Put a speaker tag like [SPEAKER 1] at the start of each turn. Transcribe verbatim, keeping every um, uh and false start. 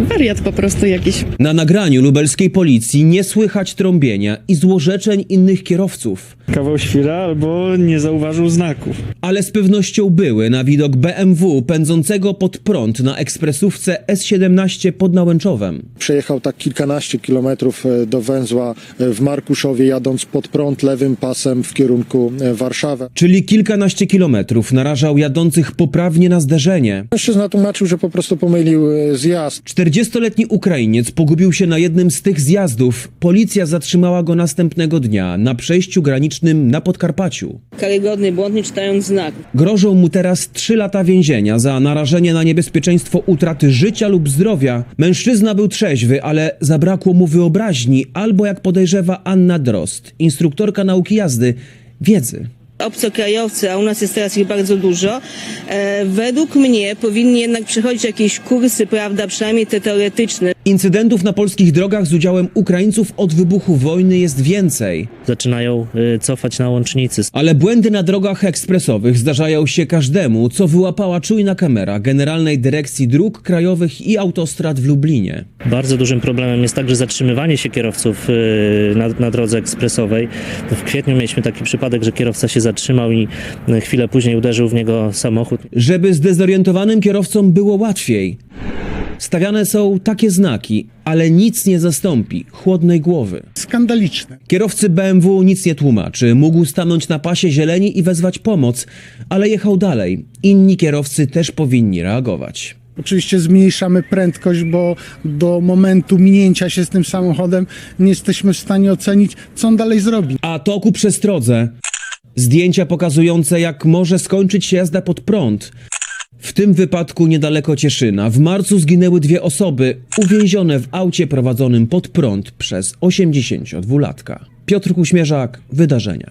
[SPEAKER 1] wariat po prostu jakiś.
[SPEAKER 2] Na nagraniu lubelskiej policji nie słychać trąbienia i złorzeczeń innych kierowców.
[SPEAKER 3] Kawał świra albo nie zauważył znaków.
[SPEAKER 2] Ale z pewnością były na widok B M W pędzącego pod prąd na ekspresówce S siedemnaście pod Nałęczowem.
[SPEAKER 4] Przejechał tak kilkanaście kilometrów do węzła w Markuszowie, jadąc pod prąd lewym pasem w kierunku Warszawy.
[SPEAKER 2] Czyli kilkanaście kilometrów narażał jadących poprawnie na zderzenie.
[SPEAKER 4] Mężczyzna tłumaczył, że po prostu pomylił zjazd.
[SPEAKER 2] czterdziestoletni Ukrainiec pogubił się na jednym z tych zjazdów. Policja zatrzymała go następnego dnia na przejściu granicznym na Podkarpaciu.
[SPEAKER 5] Karygodny błąd, nie czytając znaków.
[SPEAKER 2] Grożą mu teraz trzy lata więzienia za narażenie na niebezpieczeństwo utraty życia lub zdrowia. Mężczyzna był trzeźwy, ale zabrakło mu wyobraźni albo, jak podejrzewa Anna Drozd, instruktorka nauki jazdy, wiedzy.
[SPEAKER 5] Obcokrajowcy, a u nas jest teraz ich bardzo dużo, e, według mnie powinni jednak przechodzić jakieś kursy, prawda, przynajmniej te teoretyczne.
[SPEAKER 2] Incydentów na polskich drogach z udziałem Ukraińców od wybuchu wojny jest więcej.
[SPEAKER 6] Zaczynają y, cofać na łącznicy.
[SPEAKER 2] Ale błędy na drogach ekspresowych zdarzają się każdemu, co wyłapała czujna kamera Generalnej Dyrekcji Dróg Krajowych i Autostrad w Lublinie.
[SPEAKER 6] Bardzo dużym problemem jest także zatrzymywanie się kierowców y, na, na drodze ekspresowej. W kwietniu mieliśmy taki przypadek, że kierowca się zatrzymał i y, chwilę później uderzył w niego samochód.
[SPEAKER 2] Żeby zdezorientowanym kierowcom było łatwiej, stawiane są takie znaki, ale nic nie zastąpi chłodnej głowy.
[SPEAKER 7] Skandaliczne.
[SPEAKER 2] Kierowcy B M W nic nie tłumaczy. Mógł stanąć na pasie zieleni i wezwać pomoc, ale jechał dalej. Inni kierowcy też powinni reagować.
[SPEAKER 7] Oczywiście zmniejszamy prędkość, bo do momentu minięcia się z tym samochodem nie jesteśmy w stanie ocenić, co on dalej zrobi.
[SPEAKER 2] A to ku przestrodze. Zdjęcia pokazujące, jak może skończyć się jazda pod prąd. W tym wypadku niedaleko Cieszyna w marcu zginęły dwie osoby uwięzione w aucie prowadzonym pod prąd przez osiemdziesięciodwulatka. Piotr Kuśmierzak, Wydarzenia.